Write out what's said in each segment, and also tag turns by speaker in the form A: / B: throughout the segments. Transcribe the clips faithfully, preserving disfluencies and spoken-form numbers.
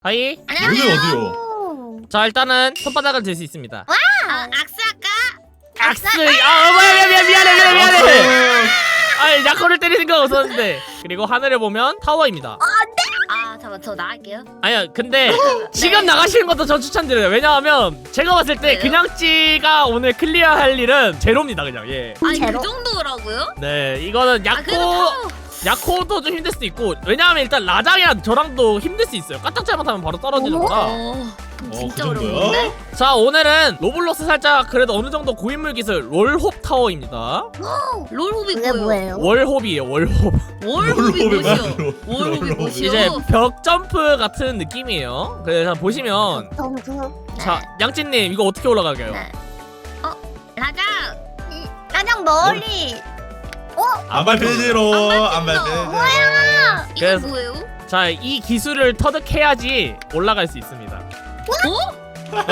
A: 하이.
B: 여기
C: 안녕하세요.
B: 어디요?
A: 자 일단은 손바닥을 들 수 있습니다.
C: 아, 악수 할까?
A: 악스. 아 미안해 미안해 미안해 미안해 미안해. 아 야코를 때릴 생각 없었는데. 그리고 하늘을 보면 타워입니다.
C: 아, 잠깐 저 나갈게요.
A: 아니야 근데 지금 나가시는 것도 저 추천드려요. 왜냐하면 제가 봤을 때
C: 왜요?
A: 그냥찌가 오늘 클리어할 일은 제로입니다 그냥. 예.
C: 아니
D: 제로?
C: 그 정도라고요?
A: 네 이거는
C: 아,
A: 야코
C: 그래도 타워.
A: 야코도 좀 힘들 수도 있고 왜냐하면 일단 라장이랑 저랑도 힘들 수 있어요. 까딱 잘못하면 바로 떨어지는 거라.
C: 어, 그럼
B: 어,
C: 진짜
B: 그 정도야?
C: 어려운데?
A: 자 오늘은 로블록스 살짝 그래도 어느 정도 고인물 기술 롤홉 타워입니다.
C: 롤호비
D: 그게 뭐예요?
A: 월홉이에요 월홉.
C: 월호비
B: 롤호비
C: 뭐시오?
B: 맞아요.
C: 월호비
B: 롤호비.
C: 뭐시오?
A: 이제 벽 점프 같은 느낌이에요. 그래서 보시면
D: 점프.
A: 자 양찐님 이거 어떻게 올라가게요?
C: 네. 어, 라장.
D: 가장 멀리.
B: 안 밟히지로 안
C: 안 밟힌다.
B: 밟히지로.
C: 이거
A: 그래서-
C: 뭐예요?
A: 자 이 기술을 터득해야지 올라갈 수 있습니다.
C: 어?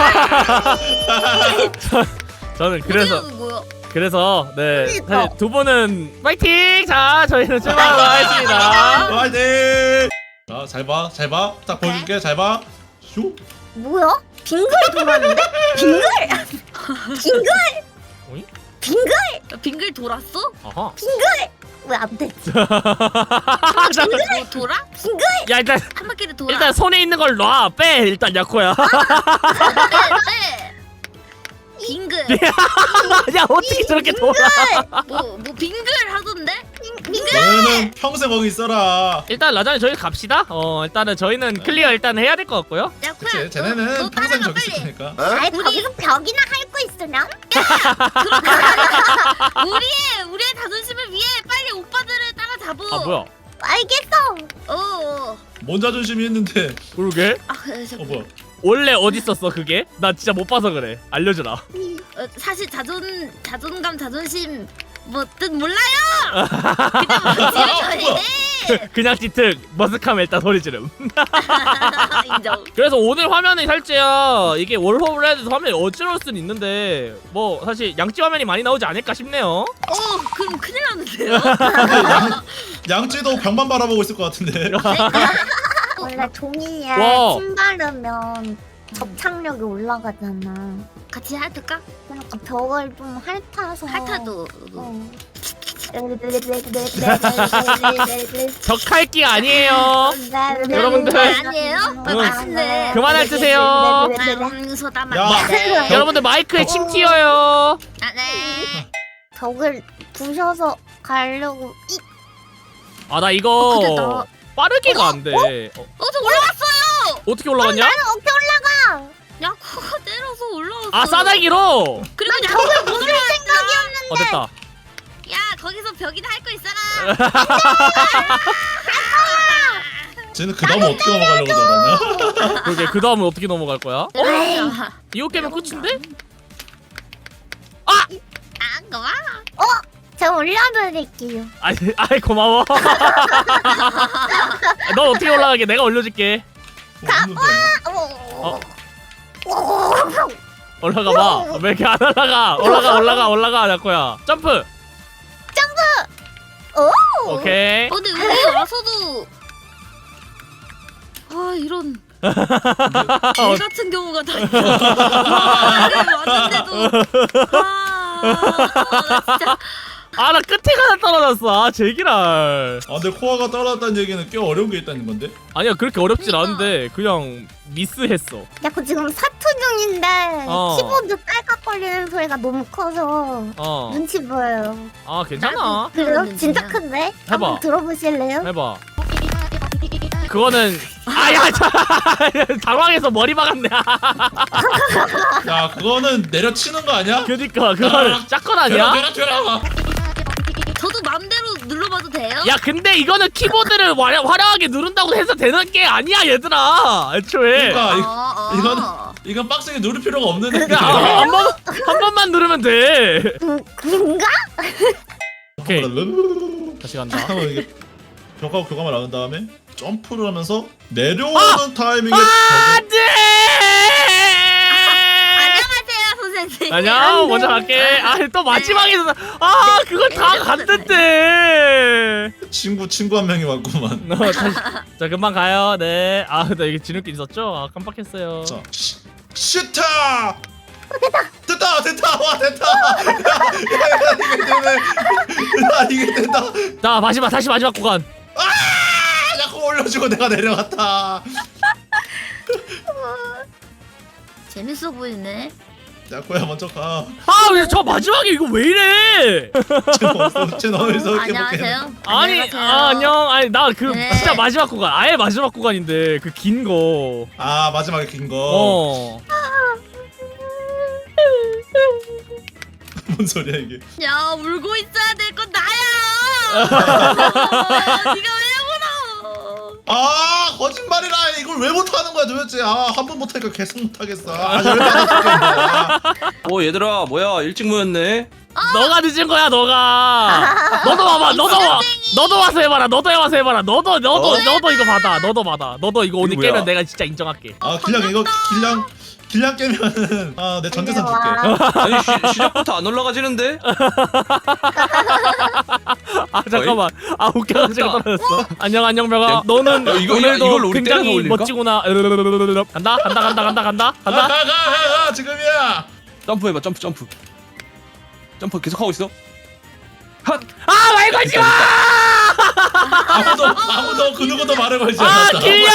A: 저는 그래서
C: 어디가 뭐야?
A: 그래서 네
D: 그러니까.
A: 사실 두 분은 파이팅! 자 저희는 출발하도록 하겠습니다.
B: 화이팅! 자, 잘 봐, 잘 봐. 딱 보여줄게, 잘 봐. 슉.
D: 뭐야? 빙글 돌았는데? 빙글? 빙글?
A: 어이?
D: 빙글?
C: 야, 빙글 돌았어?
A: 아하.
D: 왜 안 됐지?
C: 뭐 돌아?
A: 야 일단
C: 한 바퀴를 돌아.
A: 일단 손에 있는 걸 놔. 빼 일단 야코야.
C: 네, 네. 빙글.
A: 야 어떻게 저렇게 돌아?
C: 뭐, 뭐 빙글 하던데?
B: 너는 평생 거기 있어라.
A: 일단 라장이 저희 갑시다. 어 일단은 저희는 클리어 일단 해야 될 것 같고요.
C: 야,
B: 그치,
C: 코야,
B: 쟤네는
C: 너, 너
B: 평생
C: 따라가
B: 저기 있을
C: 빨리.
B: 테니까.
D: 아이
C: 우리-
D: 거기서 벽이나 핥고 있으렴?
C: 우리의 우리의 자존심을 위해 빨리 오빠들을 따라잡어.
A: 아 뭐야?
D: 알겠어.
C: 어. 어.
B: 뭔 자존심이 있는데.
A: 그러게?
C: 아, 그래, 저,
B: 어, 뭐야.
A: 원래 어디 있었어 그게? 나 진짜 못 봐서 그래. 알려주라.
C: 어, 사실 자존 자존감 자존심 뭐 뜻 몰라요. 그냥 뭐 지어줘야
A: 그냥 찌특 머스카면 일단 소리 지름.
C: 인정.
A: 그래서 오늘 화면이 살짝 이게 월호를 해도 화면이 어지러울 수는 있는데 뭐 사실 양찌 화면이 많이 나오지 않을까 싶네요.
C: 어, 그럼 큰일 났는데요.
B: 양, 양찌도 벽만 바라보고 있을 것 같은데.
D: 원래 종이에
A: 와.
D: 침 바르면 접착력이 올라가잖아.
C: 같이 핥을까?
D: 그러니까 벽을 좀 핥아서.
C: 핥아도.
D: 어.
A: 벽할기 아니에요. 여러분들.
C: 아니에요? 어, 맛있네.
A: 그만 핥으세요.
C: 음, 소다
B: 야.
C: 맛있네.
A: 여러분들 마이크에 침 튀어요.
C: 아, 네.
D: 벽을 부셔서 가려고 이
A: 아 나
C: 어, 근데
A: 이거
C: 나-
A: 빠르기가 안 돼. 어,
C: 어, 저 올라왔어요.
A: 어떻게 올라갔냐?
D: 어떻게 올라가?
C: 야, 코가 때려서 올라왔어.
A: 아 싸다기로.
C: 그리고 벽을 못 올라.
A: 어 됐다.
C: 야, 거기서 벽이나 할 거 있어라.
B: 쟤는 그 다음 어떻게 넘어가려고 저러냐?
A: 그러게 그 다음은 어떻게 넘어갈 거야?
C: 아,
A: 이거 깨면 끝인데?
C: 아, 그거 봐.
D: 제가 올려드릴게요.
A: 아이 아이 고마워. 넌 어떻게 올라가게? 내가 올려줄게.
B: 어,
D: 어.
A: 올라가 봐. 왜 이렇게 안 올라가? 올라가 올라가 올라가 야코야. 점프.
D: 오.
A: 오케이.
C: 어, 근데 우리 와서도 아 이런 개 같은 경우가 다 있어. 와, 여기 왔는데도 아, 나 진짜
A: 아 나 끝에 가다 떨어졌어. 아 제기랄.
B: 아, 근데 코아가 떨어졌다는 얘기는 꽤 어려운 게 있다는 건데?
A: 아니야 그렇게 어렵진
C: 그러니까.
A: 않은데 그냥 미스했어.
D: 야, 그 지금 사투 중인데
A: 어.
D: 키보드 딸깍거리는 소리가 너무 커서
A: 어.
D: 눈치 보여요.
A: 아 괜찮아.
D: 그래요?
C: 그러는
D: 진짜
C: 중이야.
D: 큰데? 한번 들어보실래요?
A: 해봐. 그거는 아야 당황해서 머리 박았네.
B: 야, 그거는 내려치는 거 아니야?
A: 그니까 그거는 짝건 아니야?
B: 되라, 되라, 되라.
C: 저도 맘대로 눌러봐도 돼요?
A: 야 근데 이거는 키보드를 화려, 화려하게 누른다고 해서 되는 게 아니야 얘들아 애초에.
B: 그러니까 이-
C: 어, 어.
B: 이거는 이건 빡세게 누를 필요가 없는 애야.
A: 야, 아, 한 번, 한 번만 누르면 돼.
D: 음, 그런가?
A: 오케이 다시 간다.
B: 잠깐만, 이게 벽하고 교감을 나눈 다음에 점프를 하면서 내려오는 타이밍에 벽을-
A: 안돼.
C: 안녕하세요 선생님. 네.
A: 안녕. 먼저 갈게. 아 또 마지막에서 아 그걸 다 갔는데.
B: 친구 친구 한 명이 왔구만.
A: 어, 다시, 자 금방 가요. 네. 아 나 이게 지름길 있었죠? 아 깜빡했어요.
B: 자, 시, 슈타! 됐다! 됐다! 됐다! 와 됐다! 야, 야, 야, 이게 되네! 야, 이게 된다!
A: 자 마지막 다시 마지막 구간.
B: 아! 자꾸 올려주고 내가 내려갔다.
C: 재밌어 보이네.
B: 야코야 먼저 가.
A: 아 왜 저 마지막에 이거 왜 이래?
B: 쟤 너에서 이렇게 먹게.
C: 안녕하세요.
A: 아니
C: 안녕하세요.
A: 아, 안녕. 아니 나 그
C: 네.
A: 진짜 마지막 구간. 아예 마지막 구간인데 그 긴 거.
B: 아 마지막에 긴 거.
A: 어.
B: 뭔 소리야 이게?
C: 야 울고 있어야 될 건 나야. 네가 왜 울어?
B: 아 거짓말이라 이걸 왜 못하는 거야 도대체. 아 한 번 못하니까 계속 못하겠어. 아 열받아 죽겠네.
E: 오 얘들아 뭐야 일찍 모였네.
A: 너가 늦은 거야 너가. 너도 와봐. 너도 와. 너도 와서 해봐라. 너도 와서 해봐라. 너도 너도
E: 어?
A: 너도 이거 받아. 너도 받아. 너도 이거 오늘
E: 이거 뭐야?
A: 깨면 내가 진짜 인정할게.
B: 아 길냥 이거 길냥 길냥 깨면은 아 내 전재산
D: 와.
B: 줄게.
E: 아니 시, 시작부터 안 올라가지는데?
A: 아 잠깐만. 아 웃겨가지고
E: 됐다.
A: 떨어졌어. 안녕 안녕 벽아.
E: 야,
A: 너는
E: 야, 이거-
A: 오늘도
E: 이걸 우리 때려서
A: 굉장히
E: 올릴까?
A: 멋지구나. 간다 간다 간다 간다 간다 간다.
B: 가가가 지금이야.
E: 점프해봐 점프 점프. 점프 계속 하고 있어. 핫.
A: 아 말 걸지 마.
B: 아무도 아무도 그 누구도 말을 걸지
A: 아
B: 않았다.
A: 길려.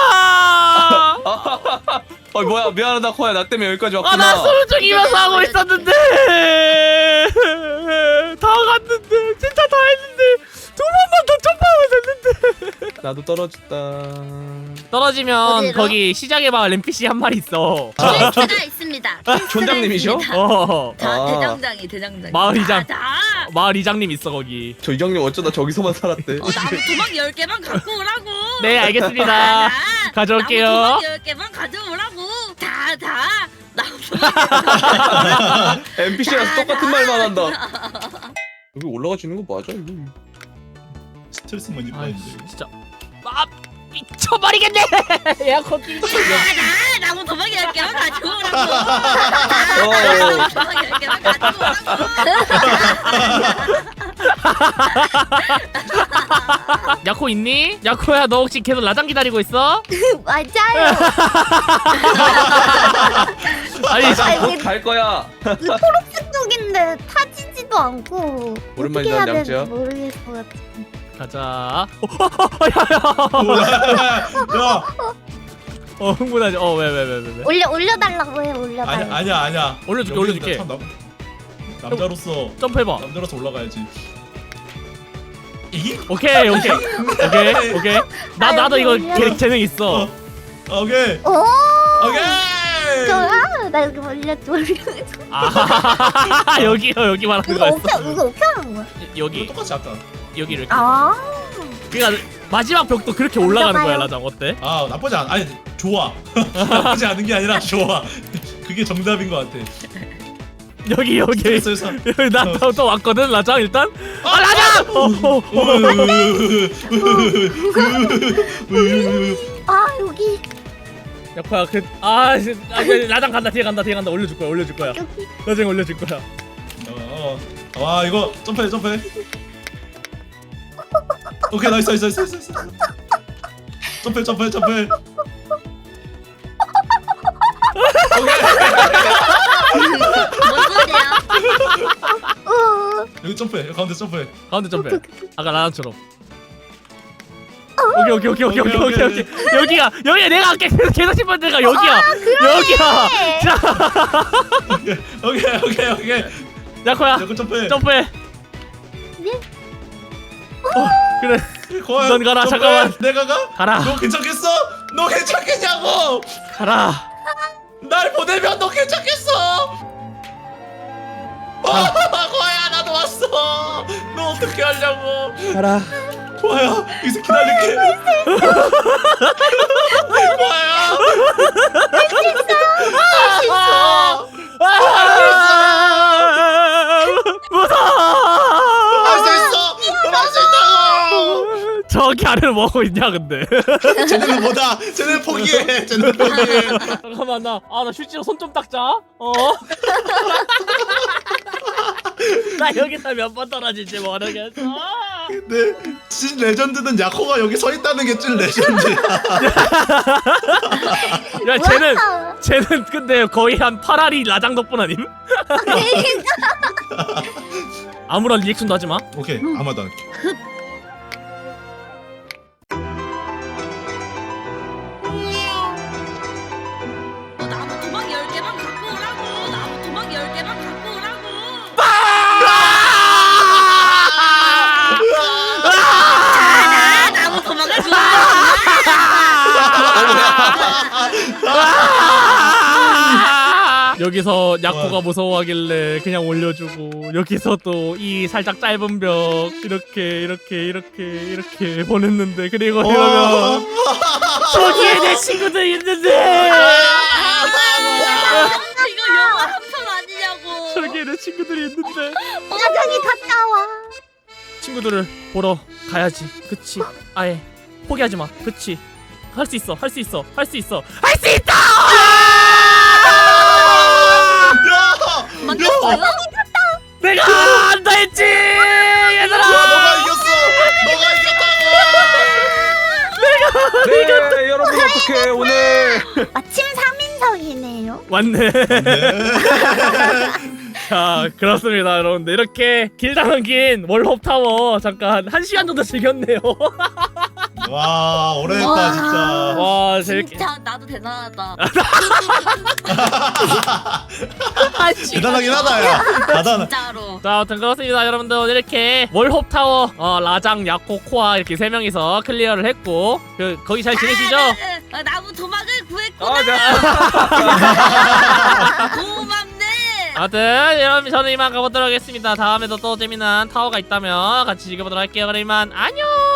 E: 어 뭐야 미안하다 코야 나 때문에 여기까지 왔구나.
A: 아나 소리 죽이면서 하고 있었는데 다 갔는데 진짜 다 했는데 두 번만 더 점프하면 됐는데.
E: 나도 떨어졌다.
A: 떨어지면
C: 어디로?
A: 거기 시장에 마을 엔피씨 한 마리 있어.
C: 퀘스트가 있습니다.
E: 촌장님이셔?
A: 어
C: 자
E: 아.
C: 대장장이 대장장.
A: 마을 이장.
C: 자,
A: 마을 이장님 있어 거기.
E: 저 이장님 어쩌다 저기서만 살았대.
C: 어, 나무 도막 열 개만 갖고 오라고.
A: 네 알겠습니다.
C: 나
A: 가져올게요.
C: 나무 도막 열 개만 가져오라고. 다 다. 나무 도막.
E: 엔피씨랑 똑같은 말만 한다. 여기 올라가지는 거 맞아 이거?
B: 스트레스만
A: 아
B: 입었는데.
A: 진짜 아 미쳐버리겠네. 에어컨 끼고 있어.
C: 나 나무 도막 열 개만 가져오라고.
E: 어.
C: 나무 도막 열 개만 가져오라고.
A: 야코 있니? 야코야 너 혹시 계속 라장 기다리고 있어?
D: 맞아요.
A: 아니
D: 아,
A: 자,
D: 이게
E: 갈 거야.
D: 그 초록색 쪽인데 타지지도 않고
E: 오랜만이다,
D: 어떻게 해야
E: 냠찌야.
D: 되는지 모르겠을 것 같아.
A: 가자. 어, 야야.
B: 야
A: 어 흥분하지. 어 왜 왜 왜 왜 왜?
D: 올려 올려달라고 해
B: 아니
D: 올려달라고.
B: 아니야 아니야.
A: 올려줄게,
B: 여기는
A: 올려줄게.
B: 참 남, 남자로서
A: 점프해봐.
B: 남자로서 올라가야지. 이?
A: 오케이 오케이 오케이 오케이. 나
D: 아,
A: 나도 이거
D: 여기 올려.
A: 개, 재능 있어.
B: 오케이
D: 오.
B: 오케이.
D: 좋아. 나 여기 올려줘 올려줘.
A: 아 여기요 여기 말하는
D: 이거
A: 거였어.
D: 어떻게 이거 어떻게 하는 거야?
A: 여기
B: 똑같이 아까.
A: 여기 이렇게.
D: 아.
A: 그러니까 마지막 벽도 그렇게 올라가는 거야
D: 올라가요.
A: 라장 어때?
B: 아 나쁘지 않. 아니 좋아. 나쁘지 않은 게 아니라 좋아. 그게 정답인 것 같아.
A: 여기 여기
B: 스트레스에서.
A: 여기 나또 또 왔거든 라장 일단. 아 라장. 어, 어, 어.
D: 아 여기
A: 야코야 그 아 라장 간다 뒤에 간다 뒤에 간다 올려줄 거야 올려줄 거야.
D: 여기.
A: 나중에 올려줄 거야.
B: 어, 어. 와 이거 점프해 점프해. 오케이 나이스 나이스 나이스 나이스. 점프해 점프해 점프해.
C: 뭔 소리야?
D: 어.
B: 여기 점프해 여기 가운데 점프해.
A: 가운데 점프해. 아까 라장처럼. 오케이 오케이 오케이 오케이 오케이 오케이 오케이 여기야 여기야 내가 아까 계속 계속 싶은 데가 여기야 여기야. 자
B: 오케이 오케이 오케이.
A: 야코야
B: 여기 점프해.
A: 점프해.
D: 네?
A: 어 그래
B: 고아야,
A: 넌 가라,
B: 점프해.
A: 잠깐만.
B: 내가 가?
A: 가라
B: 너 괜찮겠어? 너 괜찮겠냐고?
A: 가라.
B: 날 보내면 너 괜찮겠어? 아, 고아야 나도 왔어. 너 어떻게 하려고?
A: 가라.
B: 고아야 여기서 기다릴게. 고아야.
A: 아, 무서워.
B: 할수 있어. 너 할 수 있다고.
A: 저기 아래로 쟤네는 뭐 하고 있냐 근데.
B: 쟤네는 뭐다. 쟤네는 포기해. 쟤네는 포기해.
A: 잠깐만 나 아 나 실제로 손 좀 닦자. 어. 나 여기서 몇 번 떨어질지 모르겠어.
B: 근데 진 레전드는 야코가 여기 서 있다는 게 찐 레전드야.
A: 야 쟤는
D: 뭐야?
A: 쟤는 근데 거의 한 팔 알이 라장 덕분 아님? 아무런 리액션도 하지 마.
B: 오케이 아마도 안 할게.
C: 어, 나무 도막 열 개만 갖고 오라고. 나무 도막 열 개만 갖고 오라고. 아, 나무 도막을
A: 여기서 야코가 무서워하길래 그냥 올려주고 여기서 또 이 살짝 짧은 벽 이렇게 이렇게 이렇게 이렇게 보냈는데 그리고 이러면 저기에 내 친구들 있는데
C: 이거 영화 한 편 아니냐고.
A: 저기에 내 친구들이 있는데
D: 야전이 갔다 와.
A: 친구들을 보러 가야지. 그치? 아예 포기하지 마. 그치? 할 수 있어. 할 수 있어. 할 수 있어. 할 수 있다.
B: 야!
C: 만났어요?
A: 내가 한다 했지. 얘들아.
B: 야 너가 이겼어. 너가 이겼다고.
E: 네 여러분 어떻게 오늘
D: 마침 삼 인석이네요.
A: 맞네. 자 그렇습니다 여러분들 이렇게 길다면 긴 월홉 타워 잠깐 한 시간 정도 즐겼네요.
B: 와 오래했다
C: 와.
B: 진짜.
A: 와 재밌게.
C: 진짜 나도 대단하다.
B: 대단하긴 하다 야. 대단하.
C: 진짜로.
A: 자 아무튼 그렇습니다 여러분들 오늘 이렇게 월홉 타워 어, 라장 야코 코아 이렇게 세 명이서 클리어를 했고 그 거기 잘 지내시죠?
C: 아, 네, 네. 아, 나무 도막을 구했구나.
A: 어, 네.
C: 고맙네.
A: 아무튼 여러분 저는 이만 가보도록 하겠습니다. 다음에도 또 재미난 타워가 있다면 같이 즐겨보도록 할게요. 그럼 이만 안녕.